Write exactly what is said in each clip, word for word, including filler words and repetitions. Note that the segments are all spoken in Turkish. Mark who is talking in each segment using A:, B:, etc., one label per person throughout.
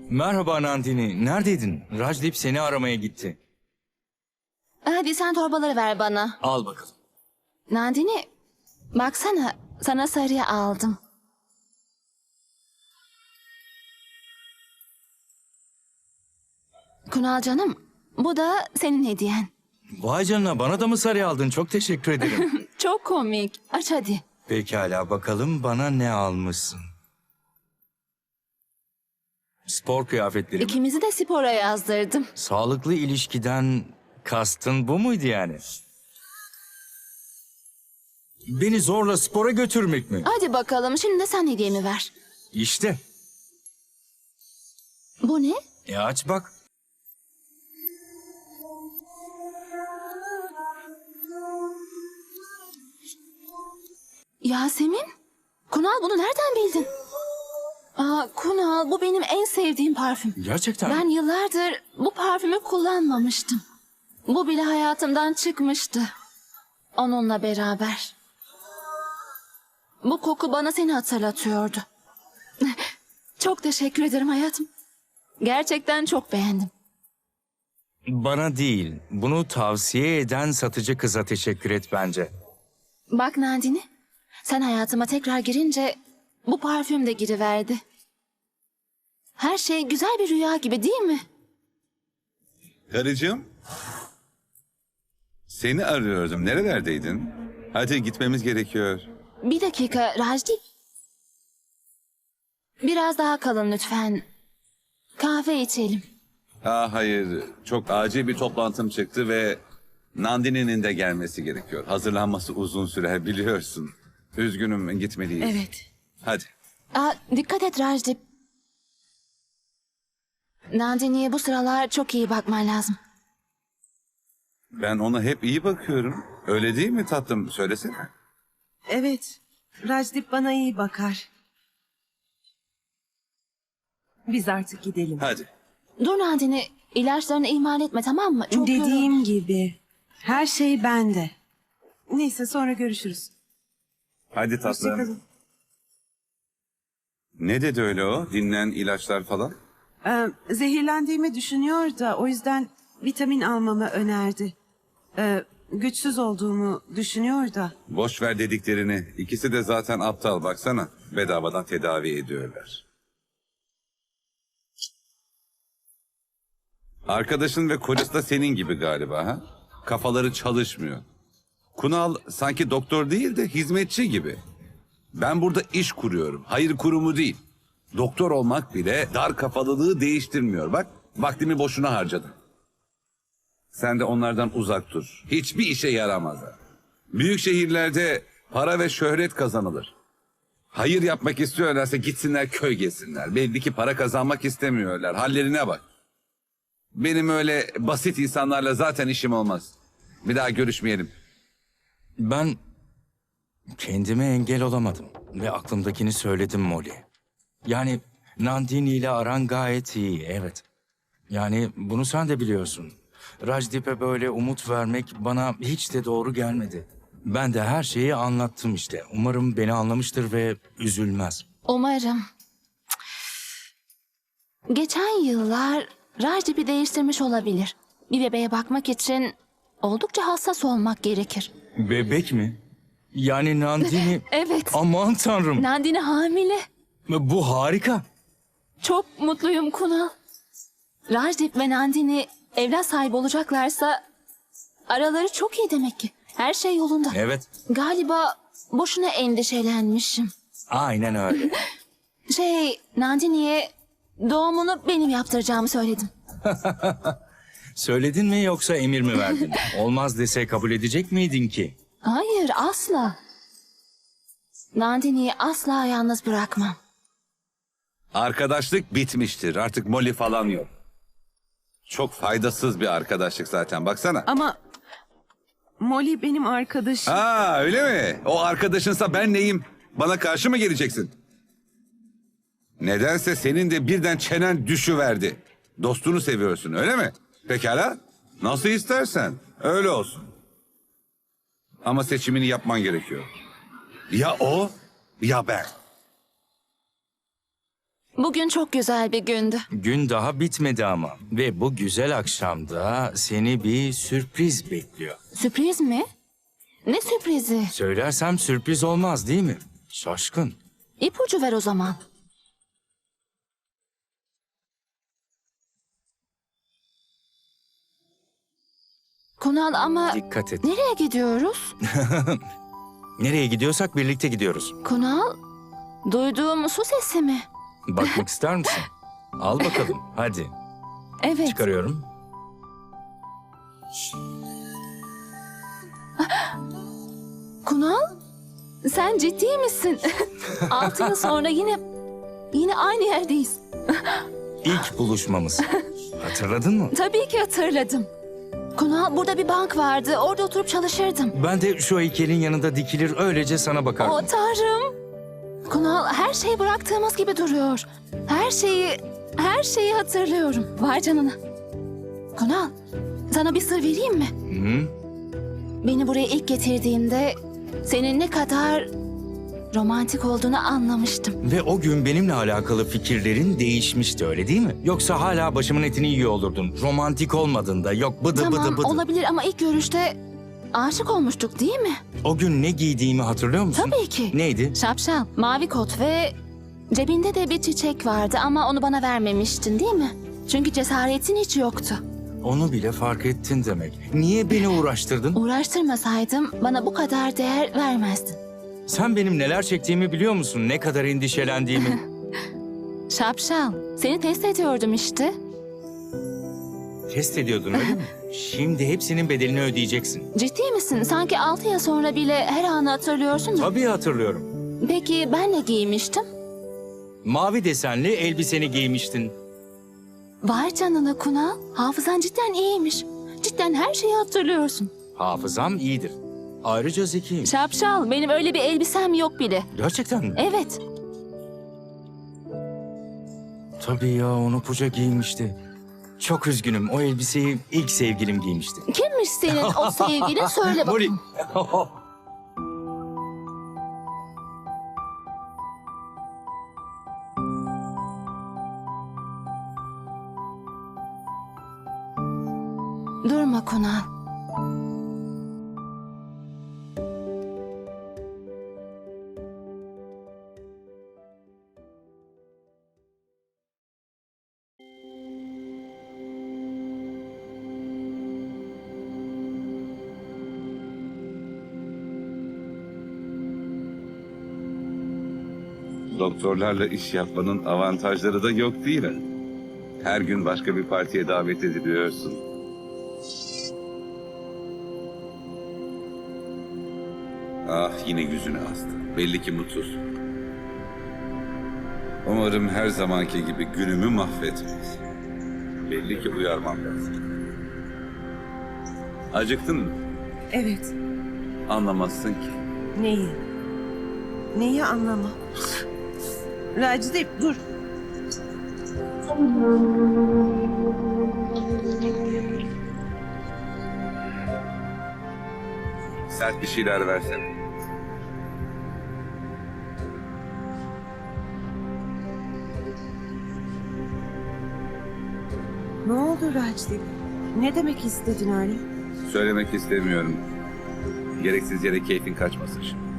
A: Merhaba Nandini. Neredeydin? Rajdip seni aramaya gitti.
B: Hadi sen torbaları ver bana.
A: Al bakalım.
B: Nandini, baksana sana sarıya aldım. Kunal canım, bu da senin hediyen.
A: Vay canına, bana da mı sarı aldın? Çok teşekkür ederim.
B: Çok komik. Aç hadi.
A: Pekala, bakalım bana ne almışsın. Spor kıyafetleri mi?
B: İkimizi de spora yazdırdım.
A: Sağlıklı ilişkiden kastın bu muydu yani? Beni zorla spora götürmek mi?
B: Hadi bakalım, şimdi de sen hediyemi ver.
A: İşte.
B: Bu ne?
A: E aç bak.
B: Yasemin? Kunal, bunu nereden bildin? Aa, Kunal, bu benim en sevdiğim parfüm.
A: Gerçekten
B: Ben
A: mi?
B: yıllardır bu parfümü kullanmamıştım. Bu bile hayatımdan çıkmıştı. Onunla beraber. Bu koku bana seni hatırlatıyordu. Çok teşekkür ederim hayatım. Gerçekten çok beğendim.
A: Bana değil, bunu tavsiye eden satıcı kıza teşekkür et bence.
B: Bak Nandini, sen hayatıma tekrar girince bu parfüm de giriverdi. Her şey güzel bir rüya gibi değil mi?
C: Karıcığım, seni arıyordum. Nerelerdeydin? Hadi gitmemiz gerekiyor.
B: Bir dakika Rajdip. Biraz daha kalın lütfen. Kahve içelim.
C: Aa, hayır, çok acil bir toplantım çıktı ve Nandini'nin de gelmesi gerekiyor. Hazırlanması uzun sürer biliyorsun. Üzgünüm, gitmeliyiz.
B: Evet.
C: Hadi.
B: Aa, dikkat et Rajdip. Nandini'ye bu sıralar çok iyi bakman lazım.
C: Ben ona hep iyi bakıyorum. Öyle değil mi tatlım? Söylesene.
D: Evet, Rajdip bana iyi bakar. Biz artık gidelim.
C: Hadi.
B: Dur Nandini, ilaçlarını ihmal etme, tamam mı? Çok
D: Dediğim gibi, her şey bende. Neyse, sonra görüşürüz.
C: Hadi tatlım.
D: Hoşçakalın.
C: Ne dedi öyle o? Dinlen, ilaçlar falan.
D: Ee, zehirlendiğimi düşünüyor da o yüzden vitamin almamı önerdi. Ee, güçsüz olduğumu düşünüyor da.
C: Boş ver dediklerini. İkisi de zaten aptal, baksana. Bedavadan tedavi ediyorlar. Arkadaşın ve kocası da senin gibi galiba ha? Kafaları çalışmıyor. Kunal sanki doktor değil de hizmetçi gibi. Ben burada iş kuruyorum. Hayır kurumu değil. Doktor olmak bile dar kafalılığı değiştirmiyor. Bak, vaktimi boşuna harcadım. Sen de onlardan uzak dur. Hiçbir işe yaramazlar. Büyük şehirlerde para ve şöhret kazanılır. Hayır yapmak istiyorlarsa gitsinler köy gezsinler. Belli ki para kazanmak istemiyorlar. Hallerine bak. Benim öyle basit insanlarla zaten işim olmaz. Bir daha görüşmeyelim.
A: Ben kendime engel olamadım ve aklımdakini söyledim Molly. Yani Nandini ile aran gayet iyi, evet. Yani bunu sen de biliyorsun. Rajdip'e böyle umut vermek bana hiç de doğru gelmedi. Ben de her şeyi anlattım işte. Umarım beni anlamıştır ve üzülmez.
B: Umarım. Geçen yıllar Rajdip'i değiştirmiş olabilir. Bir bebeğe bakmak için oldukça hassas olmak gerekir.
A: Bebek mi? Yani Nandini...
B: Evet.
A: Aman tanrım.
B: Nandini hamile.
A: Bu harika.
B: Çok mutluyum Kunal. Rajdip ve Nandini evlat sahibi olacaklarsa araları çok iyi demek ki. Her şey yolunda.
A: Evet,
B: Galiba boşuna endişelenmişim.
A: aynen öyle.
B: Şey, Nandini'ye doğumunu benim yaptıracağımı söyledim.
A: Söyledin mi yoksa emir mi verdin? Olmaz dese kabul edecek miydin ki?
B: Hayır, asla. Nandini'yi asla yalnız bırakmam.
C: Arkadaşlık bitmiştir. Artık Molly falan yok. Çok faydasız bir arkadaşlık zaten. Baksana.
D: Ama Molly benim arkadaşım.
C: Aa, öyle mi? O arkadaşınsa ben neyim? Bana karşı mı geleceksin? Nedense senin de birden çenen düşüverdi. Dostunu seviyorsun, öyle mi? Pekala. Nasıl istersen. Öyle olsun. Ama seçimini yapman gerekiyor. Ya o ya ben.
B: Bugün çok güzel bir gündü.
A: Gün daha bitmedi ama. Ve bu güzel akşamda seni bir sürpriz bekliyor.
B: Sürpriz mi? Ne sürprizi?
A: Söylersem sürpriz olmaz değil mi? Şaşkın.
B: İpucu ver o zaman. Kunal ama
A: Dikkat et.
B: nereye gidiyoruz?
A: Nereye gidiyorsak birlikte gidiyoruz.
B: Kunal, duyduğum su sesi mi?
A: Bakmak ister misin? Al bakalım. Hadi.
B: Evet.
A: Çıkarıyorum.
B: Kunal, sen ciddi misin? Altı yıl sonra yine yine aynı yerdeyiz.
A: İlk buluşmamız. Hatırladın mı?
B: Tabii ki hatırladım. Kunal, burada bir bank vardı. Orada oturup çalışırdım.
A: Ben de şu heykelin yanında dikilir öylece sana bakardım.
B: O Tanrım. Kunal, her şeyi bıraktığımız gibi duruyor. Her şeyi, her şeyi hatırlıyorum. Vay canına. Kunal, sana bir sır vereyim mi?
A: Hı?
B: Beni buraya ilk getirdiğinde senin ne kadar romantik olduğunu anlamıştım.
A: Ve o gün benimle alakalı fikirlerin değişmişti öyle değil mi? Yoksa hala başımın etini yiyor olurdun. Romantik olmadığında yok bıdı
B: Tamam,
A: bıdı bıdı.
B: olabilir ama ilk görüşte aşık olmuştuk değil mi?
A: O gün ne giydiğimi hatırlıyor musun?
B: Tabii ki.
A: Neydi?
B: Şapşal, mavi kot ve cebinde de bir çiçek vardı ama onu bana vermemiştin değil mi? Çünkü cesaretin hiç yoktu.
A: Onu bile fark ettin demek. Niye beni uğraştırdın?
B: Uğraştırmasaydım bana bu kadar değer vermezdin.
A: Sen benim neler çektiğimi biliyor musun? Ne kadar endişelendiğimi.
B: Şapşal, seni test ediyordum işte.
A: Test ediyordun öyle mi? Şimdi hepsinin bedelini ödeyeceksin.
B: Ciddi misin? Sanki altı yıl sonra bile her anı hatırlıyorsun da.
A: Tabii hatırlıyorum.
B: Peki ben ne giymiştim?
A: Mavi desenli elbiseni giymiştin.
B: Vay canına Kunal, hafızan cidden iyiymiş. Cidden her şeyi hatırlıyorsun.
A: Hafızam iyidir. Ayrıca zekiyim.
B: Şapşal, benim öyle bir elbisem yok bile.
A: Gerçekten mi?
B: Evet,
A: Tabii ya onu Puca giymişti. Çok üzgünüm. O elbiseyi ilk sevgilim giymişti.
B: kimmiş senin o sevgilin söyle
A: Molly.
B: bakalım. Durma Kunal.
C: Doktorlarla iş yapmanın avantajları da yok değil mi? Her gün başka bir partiye davet ediliyorsun. Ah yine yüzüne astı. Belli ki mutsuz. Umarım her zamanki gibi günümü mahvetmez. Belli ki uyarmam lazım. Acıktın mı?
D: Evet.
C: Anlamazsın ki.
D: Neyi? Neyi anlama? Racide dur.
C: Sert bir şeyler versene.
D: Ne oldu Racide? Ne demek istedin öyle?
C: Söylemek istemiyorum. Gereksiz yere keyfin kaçmasın şimdi.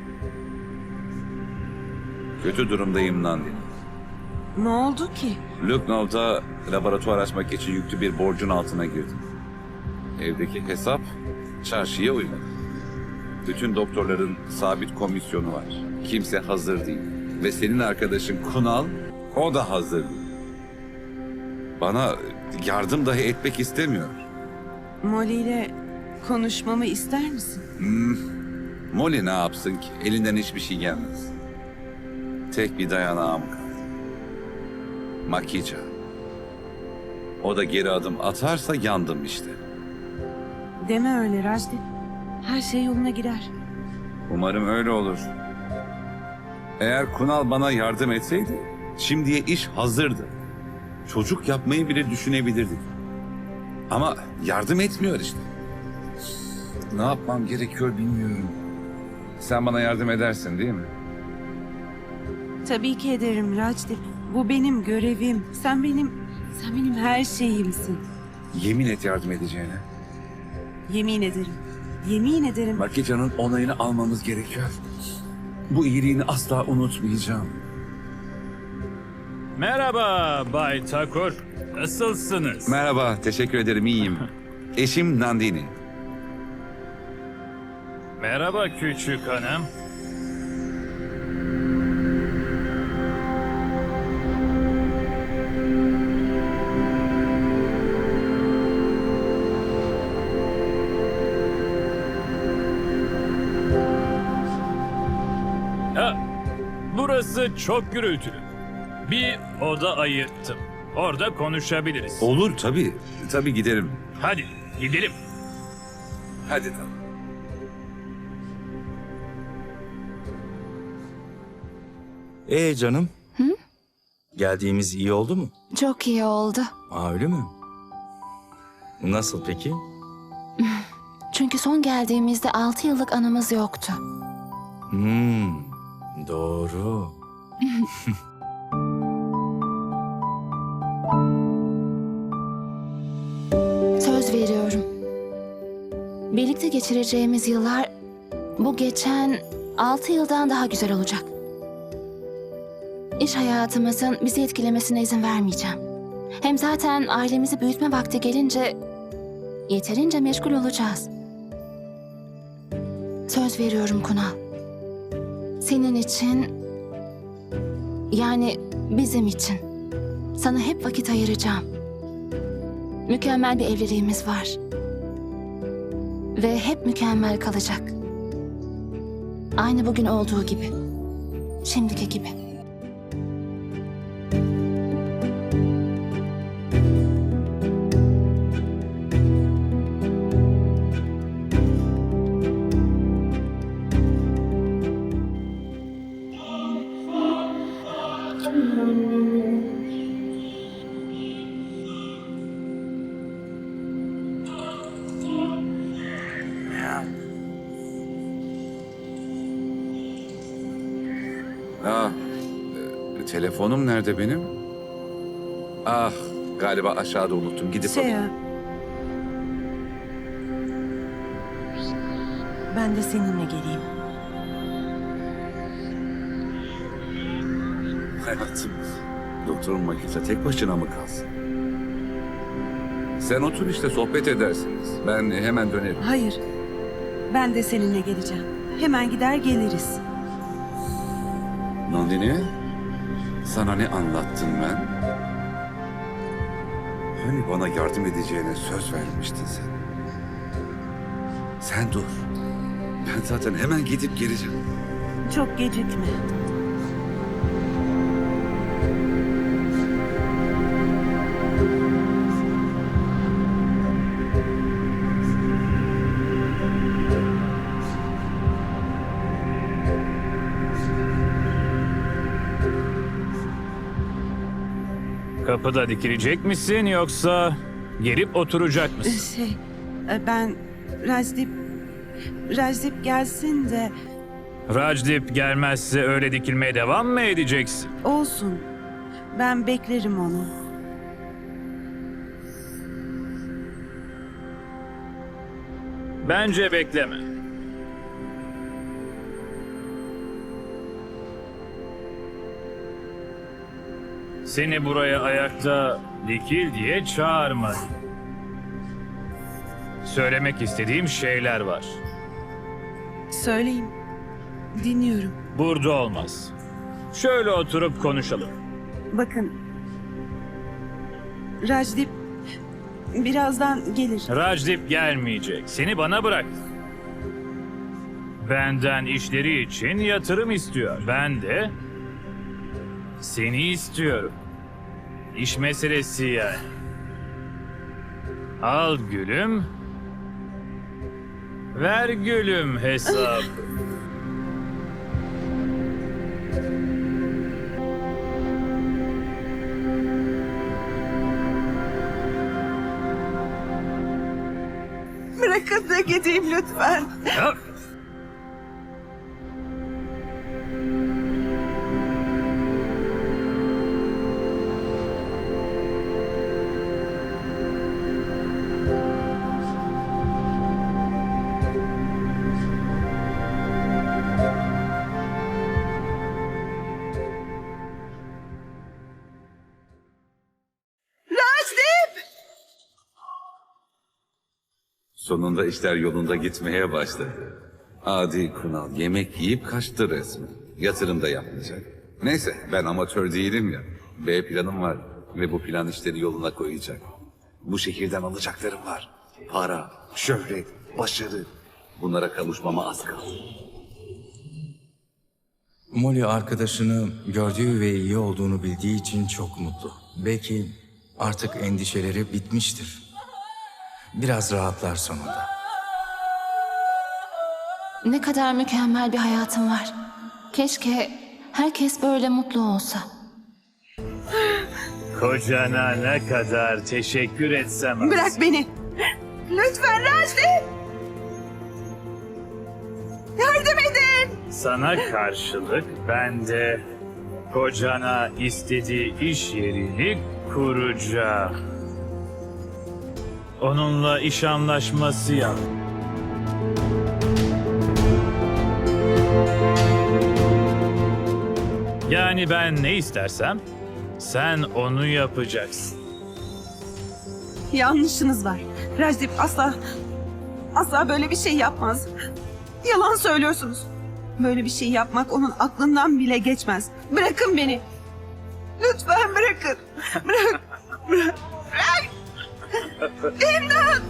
C: Kötü durumdayım Nandini.
D: Ne oldu ki?
C: Lucknow'da laboratuvar açmak için yüklü bir borcun altına girdim. Evdeki hesap çarşıya uymadı. Bütün doktorların sabit komisyonu var. Kimse hazır değil. Ve senin arkadaşın Kunal, o da hazır değil. Bana yardım dahi etmek istemiyor.
D: Molly ile konuşmamı ister misin?
C: Molly ne yapsın ki? Elinden hiçbir şey gelmez. Tek bir dayanağım kaldı. Makica. O da geri adım atarsa yandım işte.
D: Deme öyle Racide. Her şey yoluna girer.
C: Umarım öyle olur. Eğer Kunal bana yardım etseydi, şimdiye iş hazırdı. Çocuk yapmayı bile düşünebilirdik. Ama yardım etmiyor işte. Ne yapmam gerekiyor bilmiyorum. Sen bana yardım edersin değil mi?
D: Tabii ki ederim Racide. Bu benim görevim. Sen benim, sen benim her şeyimsin.
C: Yemin et yardım edeceğine.
D: Yemin ederim. Yemin ederim.
C: Makica'nın onayını almamız gerekiyor. Bu iyiliğini asla unutmayacağım.
E: Merhaba Bay Takur. Nasılsınız?
C: Merhaba, teşekkür ederim, iyiyim. Eşim Nandini.
E: Merhaba küçük hanım. Ha, burası çok gürültülü. Bir oda ayırttım. Orada konuşabiliriz.
C: Olur tabii, tabii giderim.
E: Hadi gidelim.
C: Hadi tamam.
A: Ee canım? Geldiğimiz iyi oldu mu?
B: Çok iyi oldu.
A: Aa öyle mi? Nasıl peki?
B: Çünkü son geldiğimizde altı yıllık anımız yoktu.
A: Hmm, doğru.
B: Söz veriyorum. Birlikte geçireceğimiz yıllar bu geçen altı yıldan daha güzel olacak. İş hayatımızın bizi etkilemesine izin vermeyeceğim. Hem zaten ailemizi büyütme vakti gelince yeterince meşgul olacağız. Söz veriyorum Kunal. Senin için, yani bizim için sana hep vakit ayıracağım. Mükemmel bir evliliğimiz var. Ve hep mükemmel kalacak. Aynı bugün olduğu gibi. Şimdiki gibi.
C: Aa, e, telefonum nerede benim? Ah, galiba aşağıda unuttum. Gidip alayım.
D: Seya. Ben de seninle geleyim.
C: Hayatım, doktorun Makica tek başına mı kalsın? Sen otur işte, sohbet edersiniz. Ben hemen dönerim.
D: Hayır. Ben de seninle geleceğim. Hemen gider geliriz.
C: Nandini, sana ne anlattım ben? Hani bana yardım edeceğine söz vermiştin sen. Sen dur. Ben zaten hemen gidip geleceğim.
D: Çok gecikme.
E: Kapıda dikilecek misin yoksa gelip oturacak mısın?
D: Şey, e, ben Rajdip, Rajdip gelsin de
E: Rajdip gelmezse öyle dikilmeye devam mı edeceksin?
D: olsun. Ben beklerim onu.
E: Bence bekleme. Seni buraya ayakta dikil diye çağırmadım. Söylemek istediğim şeyler var.
D: Söyleyin. Dinliyorum.
E: Burada olmaz. Şöyle oturup konuşalım.
D: Bakın. Rajdip birazdan gelir.
E: Rajdip gelmeyecek. Seni bana bırak. Benden işleri için yatırım istiyor. Ben de seni istiyorum. İş meselesi yani. Al gülüm. Ver gülüm hesabı.
D: Bırakın da gideyim lütfen.
E: Ya,
C: Sonunda işler yolunda gitmeye başladı. Adi Kunal yemek yiyip kaçtı resmen. Yatırım da yapmayacak. Neyse ben amatör değilim ya. B planım var ve bu plan işleri yoluna koyacak. Bu şehirden alacaklarım var. Para, şöhret, başarı. Bunlara kavuşmama az kaldı.
A: Molly arkadaşını gördüğü ve iyi olduğunu bildiği için çok mutlu. Belki artık endişeleri bitmiştir. Biraz rahatlar sonunda.
B: Ne kadar mükemmel bir hayatım var. Keşke herkes böyle mutlu olsa.
E: Kocana ne kadar teşekkür etsem az.
D: Bırak beni. Lütfen Rajdi. Yardım edin.
E: Sana karşılık ben de kocana istediği iş yerini kuracağım. Onunla iş anlaşması yap. Yani ben ne istersem sen onu yapacaksın.
D: Yanlışınız var. Rajdip asla, asla böyle bir şey yapmaz. Yalan söylüyorsunuz. Böyle bir şey yapmak onun aklından bile geçmez. Bırakın beni. Lütfen bırakın. Bırak. Bırak. Bırak. İmdat.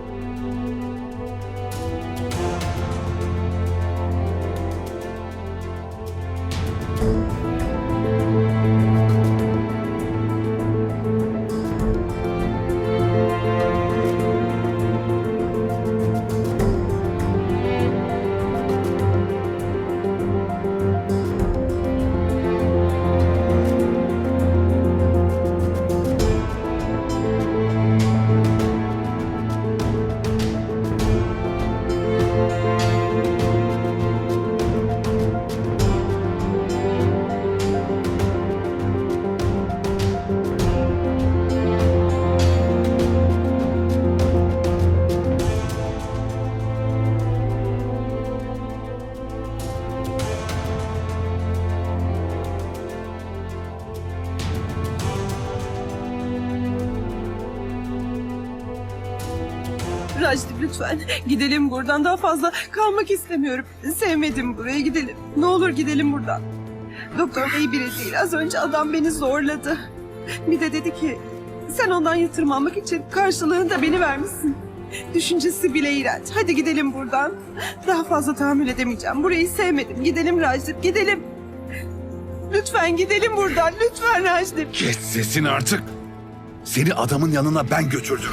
D: Rajdip lütfen gidelim buradan, daha fazla kalmak istemiyorum. Sevmedim buraya, gidelim. Ne olur gidelim buradan. Doktor iyi biri değil. Az önce adam beni zorladı. Bir de dedi ki sen ondan yatırım almak için karşılığında beni vermişsin. Düşüncesi bile iğrenç. Hadi gidelim buradan. Daha fazla tahammül edemeyeceğim. Burayı sevmedim. Gidelim Rajdip, gidelim. Lütfen gidelim buradan. Lütfen Rajdip.
F: Kes sesini artık. Seni adamın yanına ben götürdüm.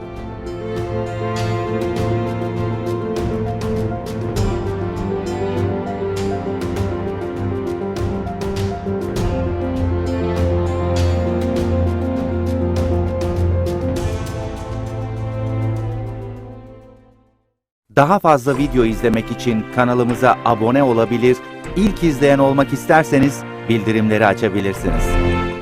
G: Daha fazla video izlemek için kanalımıza abone olabilir, ilk izleyen olmak isterseniz bildirimleri açabilirsiniz.